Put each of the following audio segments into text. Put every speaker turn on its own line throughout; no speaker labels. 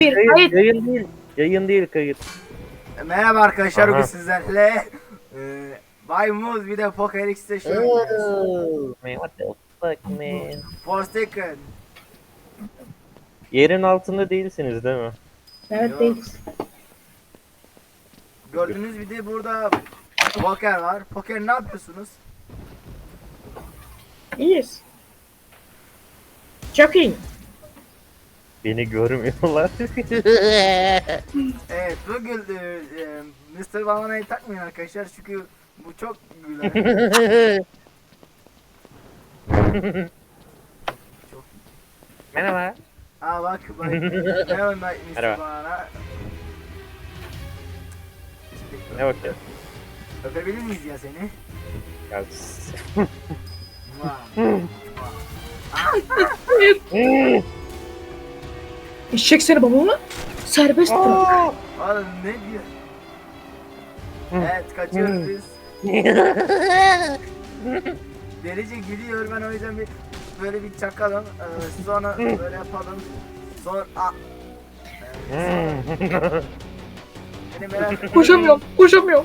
Kayıt.
Yayın değil. Yayın değil kayıt.
Merhaba arkadaşlar,
Aha.
bugün sizlerle Bay Muz bir de Poker X'te şey oynuyoruz.
Man, what the fuck man?
Forsaken.
Yerin altında değilsiniz değil mi?
Evet
Yok.
değil.
Gördüğünüz bir de burada poker var. Poker ne yapıyorsunuz?
İyiyiz. Çok iyi.
Beni görmüyorlar.
Evet, bugün Mr. Banana'yı takmayın arkadaşlar çünkü bu çok güler. Çok.
Merhaba.
Aa bak ne oynar Mr.
Merhaba.
Banana?
Ne bakıyor?
Öpebilir miyiz ya seni?
Ya,
Vay.
Eşek seni babamı serbest bırak.
Oğlum ne diyor? Evet, kaçıyoruz biz. Delice gülüyor, ben o yüzden böyle bir çakalım. Sonra böyle yapalım. Sonra beni merak etme.
Koşamıyorum.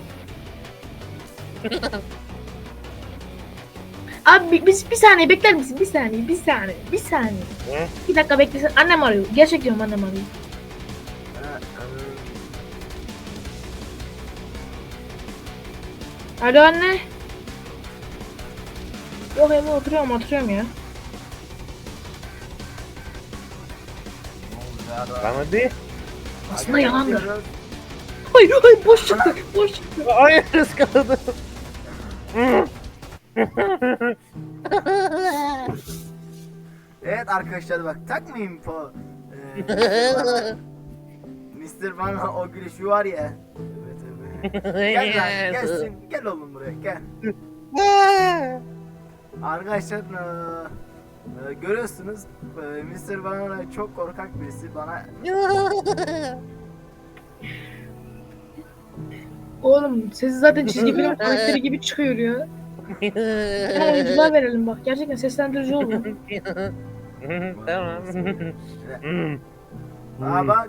Abi bir saniye bekler misin? Bir saniye.
Hı?
Bir dakika beklesin. Annem arıyor. Gerçek diyorum, annem arıyor. Alo anne. Yok evde oturuyorum ya.
Lan hadi.
Aslında yalandır. Hayır boş çıktı.
Hayır ıskaladım.
Evet arkadaşlar, bak takmayın po. Mr. Bana o gülüşü var ya. Evet. Gel lan, gelsin. Gel oğlum buraya, gel. Arkadaşlar görüyorsunuz, Mr. Banana çok korkak birisi, bana
Oğlum sesi zaten çizgi film karakteri gibi çıkıyor ya. Hemen oyunculuğa verelim bak. Gerçekten seslendirici oldu.
Tamam.
aa bak.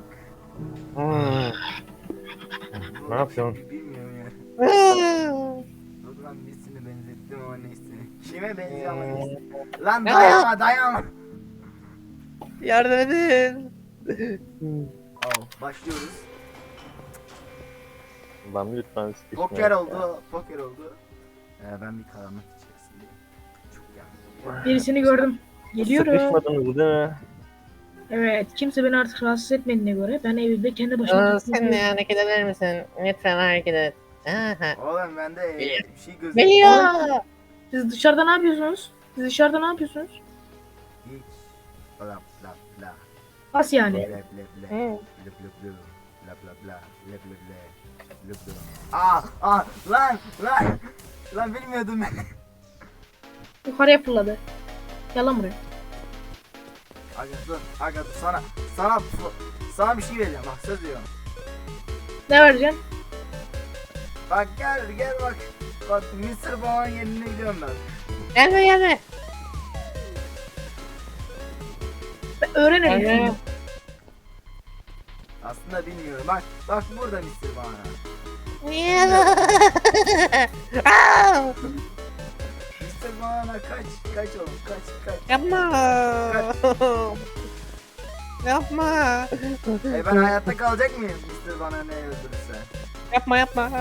Ne yapıyorsun?
Bilmiyorum ya. Dur lan, birisini benzettim ama neyse. Kime benziyor ama neyse. Lan dayanma.
Yardım edin.
Oh, başlıyoruz.
Lan lütfen sıkışma.
Poker oldu. Ben bir karanlık içerisindeyim. Çok yanlış.
Birisini gördüm. Geliyorum.
Sıkışmadınız değil mi?
Evet, kimse beni artık rahatsız etmediğine göre ben evimde kendi başıma
Sen de hareket eder misin? Lütfen hareket et. Aha.
Oğlum bende bir şey gözüküyor.
Geliyor.
Siz dışarıda ne yapıyorsunuz?
Hiç. Bla bla bla.
Nasıl yani?
Bla bla bla. Bla bla bla. Bla bla bla. Bla bla bla. Bla bla. Lan bilmiyordum ben.
Yukarıya fırladı. Yalan buraya.
Aga dur, sana bir şey vereceğim, bak söz veriyorum.
Ne vereceksin?
Bak gel bak. Bak Mr. Baba'nın yerine gidiyorum ben.
Gelme.
Ben öğrenelim.
Gelme.
Aslında bilmiyorum. Bak burada Mr. Baba. Mr. Baba kaç oğlum, kaç.
Yapma. Yapma.
Ben hayatta kalacak mıyım Mr. Bana ne öldürürse?
Yapma.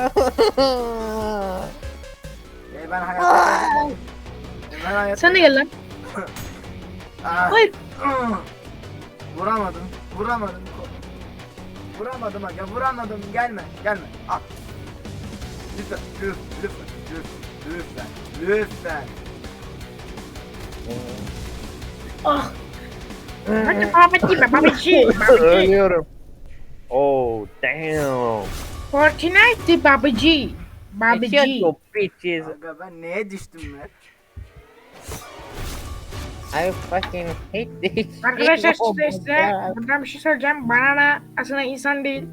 Ben hayatta kalacak mıyım? Ben hayatta...
Sen de gel lan.
Aa,
Hayır.
Vuramadım. Vuramadım aga, vuramadım. Gelme. Al. Lütfen.
Ah. Hadi babacı.
Ölüyorum. Oh damn.
Fortnite babacı.
Shut your bitches.
Aga ben neye düştüm ben?
I fucking hate this.
Arkadaşlar
Oh my
size
God.
buradan bir şey söyleyeceğim. Banana aslında insan değil.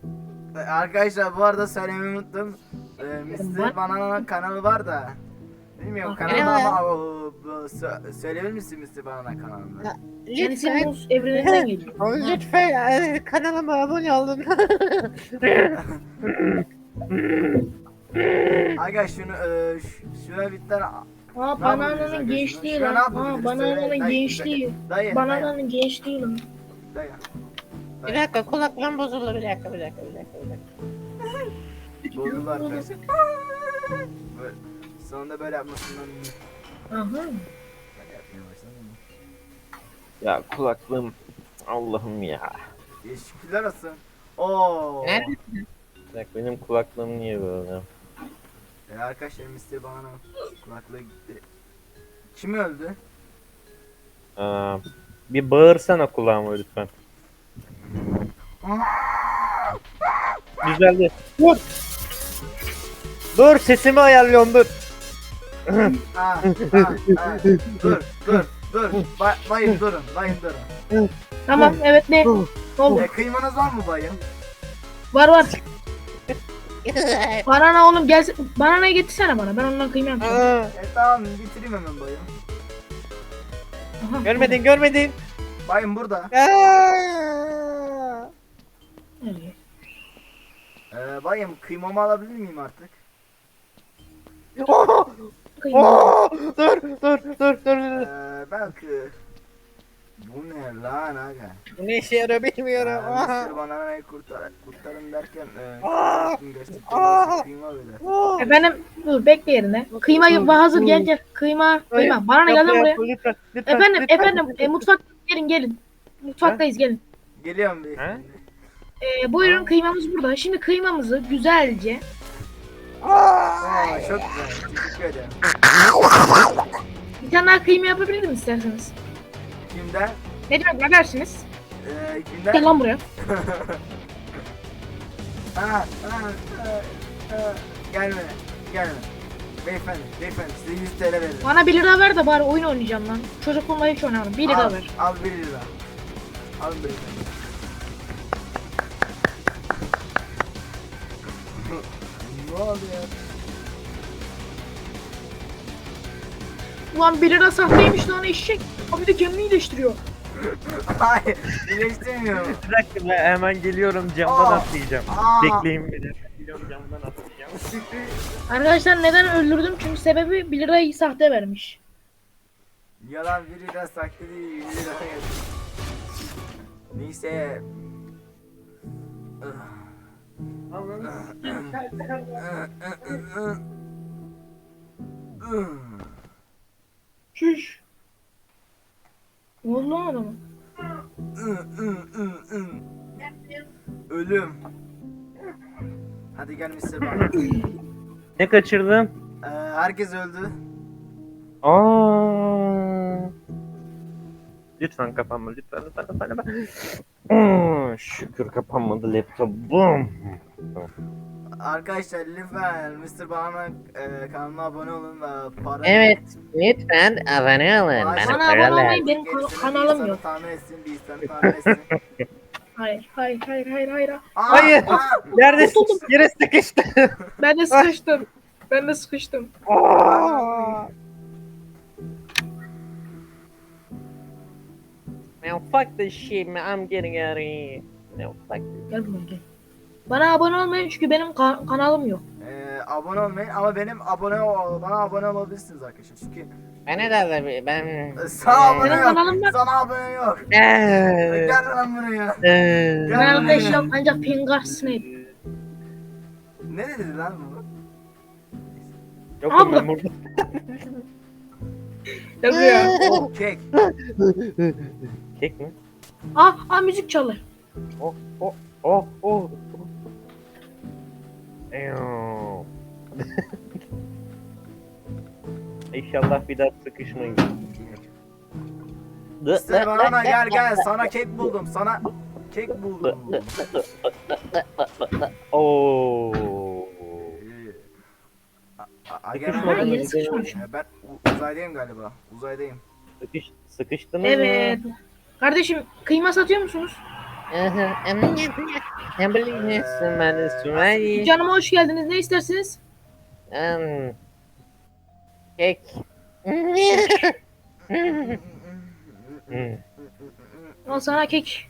Arkadaşlar bu arada söylemeyi unuttum. Mr. Banana'nın kanalı var da Bilmiyorum
Bak,
kanalıma
merhaba.
ama söyleyebilir misin Mr. Banana kanalını?
Kendisi
Lütfen,
muz evreninden geliyor.
lütfen kanalıma abone olun.
Aga şunu şuna bir tane
Aa
Ne yapabiliriz
banananın
aga
gençliği
şuna?
lan.
Şuna ne
Aa
yapabiliriz?
banananın
Söyle, dayı,
gençliği.
dayı,
Banananın gençliği lan.
dayı.
Bir dakika kulaklığım bozuldu bir dakika.
Bozuldu arkadaşlar. Böyle, sonunda böyle yapmasından
Aha.
böyle yapmaya başladım.
Ya kulaklığım Allah'ım ya.
Şükürler olsun. Oo.
Nerede?
Bak benim kulaklığım niye böyle?
Arkadaşlar Mr. Banana kulaklığı gitti. Kim öldü?
Bir bağırsana kulağıma lütfen. Güzeldi. Dur. Dur sesimi ayarlıyorum dur.
Dur. Bayım durun.
Tamam evet ne? Ne oldu?
Kıymanız var mı bayım?
Var. Banana oğlum gelsin. Bananayı getirsene bana. Ben ondan kıyma yapacağım.
Tamam bitireyim hemen bayım.
Aha.
Görmedin.
Bayım burada.
Nereye?
Bayım kıymamı alabilir miyim artık?
Kıyma.
Dur.
Belki. Bu ne lan aga?
Bu ne işe yarıyor bilmiyorum.
Mr. Banana'yı kurtarın derken gösterdiğiniz kıyma böyle.
Efendim dur bekle yerine. Kıyma hazır gel. Kıyma. Banana gel lan buraya.
Lütfen.
Efendim mutfak gelin. Mutfaktayız gelin.
Geliyorum beyefendi.
Buyurun kıymamız burada. Şimdi kıymamızı güzelce
Çok güzel. Teşekkür ederim.
bir tane daha kıyma yapabilirim isterseniz.
Kimden?
Ne demek ne dersiniz?
Kimden?
Gel lan buraya.
Gelme. Beyefendi size 100 TL veririm.
Bana 1 lira ver de bari oyun oynayacağım lan. Çocukluğumda hiç oynamadım. 1 lira ver.
Al 1 lira. Al beyefendi. Ne oldu ya?
Ulan 1 lira sahteymiş lan eşek. Abi de kendini iyileştiriyor.
Hayır, birleştirmiyorum.
Bir dakika ben hemen geliyorum camdan
Aa.
atlayacağım.
Aa.
Bekleyin beni. Geliyorum camdan atlayacağım.
Arkadaşlar neden öldürdüm? Çünkü sebebi 1 lirayı sahte vermiş.
Yalan 1 lira saklı değil, 1 lira yazıyor. Neyse.
Şuş. Ne oldu lan adama?
Ölüm. Hadi gel Mr. Bana.
Ne kaçırdın?
Herkes öldü.
Lütfen kapanma lütfen. Şükür kapanmadı laptopum.
Arkadaşlar lütfen Mr. Bana kanalına abone olun ve para.
Evet lütfen abone olun.
Bana
Bana
abone
para
olmayı
lazım.
benim kanalım yok.
Tahmin etsin, bir insanı tahmin etsin.
Hayır.
Hayır. Yerde yere sıkıştı.
Ben de sıkıştım.
Man fuck this shit man I'm getting out of here. No fuck this.
Gel buraya gel. Bana abone olmayın çünkü benim kanalım yok.
Abone olmayın ama bana abone olabilirsiniz arkadaşlar çünkü
Bana da ben...
sana abone
Benim kanalım
yok.
var.
Sana abone yok.
Eee.
Gel lan buraya.
Ben
Gel
arkadaş
buraya.
yok ancak Pingar Snape.
Ne dedi lan bu?
Yokum ben burada.
Gel buraya.
Oh, kek.
Kek mi?
Müzik çalır.
Oh. Eyyoo. İnşallah bir daha sıkışmayın.
İşte bana gel sana kek buldum. Sana kek buldum.
Oo.
Gel.
Ha, yeni sıkışmış.
Ben uzaydayım galiba. Uzaydayım.
Sıkıştınız
Evet.
mı?
Kardeşim kıyma satıyor musunuz?
Ne bileyim ben Sümeyye.
Canıma hoş geldiniz. Ne istersiniz?
Kek.
Al sana kek.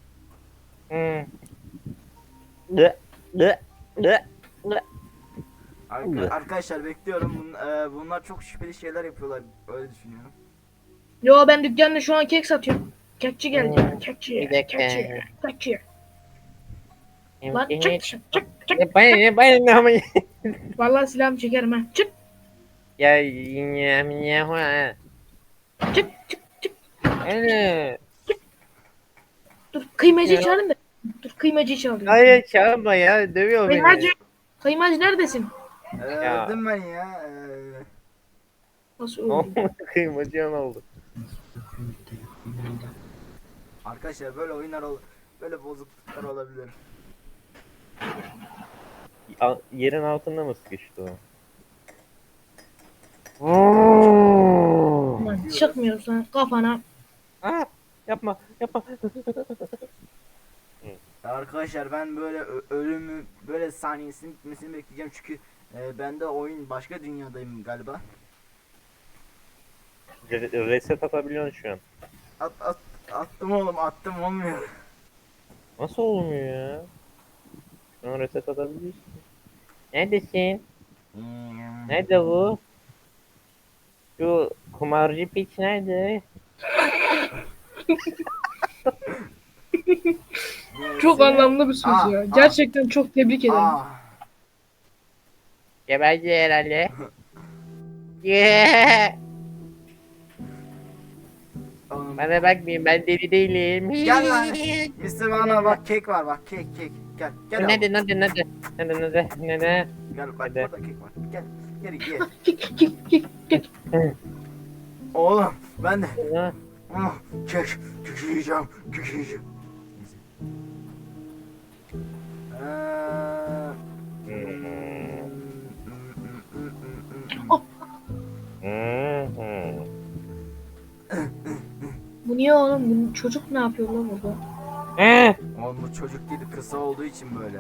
Dı, dı, dı, dı.
Arkadaşlar bekliyorum. Bunlar çok şüpheli şeyler yapıyorlar. Öyle düşünüyorum.
Yo ben dükkanda şu an kek satıyorum. Kekçi geldi.
Hmm,
Kekçi.
bir dakika.
Kekçi. Kekçi. Lan çık
Emkini-
dışarı. Çık çık.
Ne ama.
Vallahi silahımı çekerim ha. Çık
Ya yine ha.
çık çık çık.
Öyle.
Dur kıymacıyı
Ya.
çağırın da. Dur kıymacıyı çağırıyorum.
Hayır çağırma ya. Dövüyor beni.
Kıymacı. Kıymacı neredesin?
Ya.
Öldüm ben ya.
Nasıl
Ne
öldü?
oldu? Kıymacıyan oldu.
Arkadaşlar böyle oyunlar böyle bozukluklar olabilir.
Yerin altında mı sıkıştı o?
Lan çıkmıyorsan kafana.
Aa, yapma, yapma.
Arkadaşlar ben böyle ölümü böyle saniyesinin bitmesini bekleyeceğim çünkü ben de oyun başka dünyadayım galiba.
Reset atabiliyorsun şu an.
Attım oğlum attım olmuyor.
Nasıl olmuyor ya? Şu an reset atabiliyorsun. Neredesin? Nerede bu? Şu kumarcı piç nerede?
Çok anlamlı bir söz
Aa,
ya.
aa.
Gerçekten çok tebrik ederim.
Geberci herhalde. Yeah.
Oğlum,
Bana bakmayın ben deli değilim.
Gel lan. Mr. Bana bak kek var bak kek gel gel
Nerede
oğlum.
nerede?
Gel bak
Nerede?
burada kek var gel gel
Kek kek kek kek.
oğlum ben de
Ha,
kek yiyeceğim kek yiyeceğim.
Bu niye oğlum? Bu çocuk ne yapıyor lan burada?
Oğlum bu çocuk değil kısa olduğu için böyle.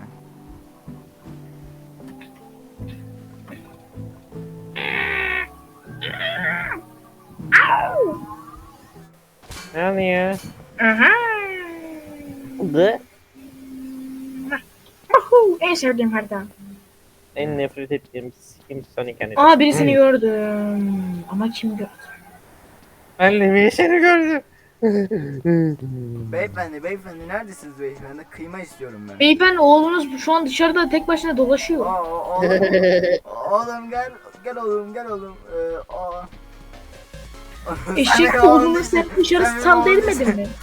Ne oluyor?
Aha.
Dı.
Ahu, en sevdiğim harita.
En nefret ettiğim sikim Sonic hani.
Aa birisini gördüm. Ama kim gördü?
Ben de bir seni gördüm.
Beyefendi neredesiniz beyefendi? Kıyma istiyorum ben.
Beyefendi oğlunuz şu an dışarıda tek başına dolaşıyor.
Oğlum gel oğlum.
Eşek oğlunu sen dışarı sal değmedin mi?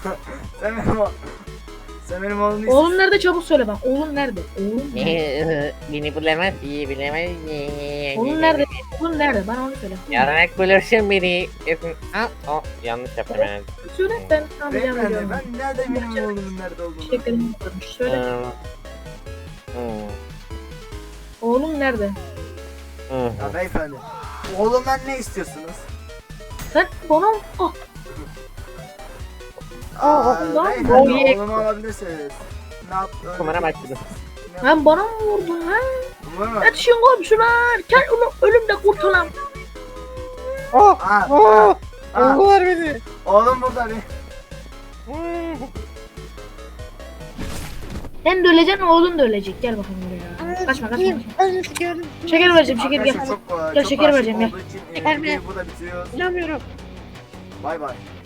Sen benim oğlumu
Oğlum nerede çabuk söyle bak. Oğlum nerede? Oğlum nerede?
Beni bulamaz iyi bilemez.
Oğlum nerede? Oğlum nerede? Bana onu söyle.
Yararak bulursun beni. Yanlış yaptım ben.
Söyle ben anlayacağım
Beyefendi
diyorum.
ben nerede benim oğlumun nerede olduğunu?
Çiçeklerim varmış. Söyle.
Hmm.
Oğlum nerede?
Ya beyefendi. Oğlumdan ne istiyorsunuz?
Sen bana ah oğlumdan
Beyefendi
mı?
oğlumu alabilirsiniz. Ne yaptın?
Kumara başladım.
Lan bana mı vurdun ha?
Kumara.
Yetişin komşular. Gel onu ölümle kurtulalım.
Aa,
Vurdular beni.
oğlum burada bir.
Sen de öleceksin oğlun da ölecek. Gel bakalım buraya. Kaçma. Şeker vereceğim şeker gel.
Arkadaşlar çok
Gel,
çok
şeker
aşık
vereceğim, gel.
olduğu için
Şeker mi?
videoyu burada bitiriyoruz.
İnanmıyorum.
Bay bay.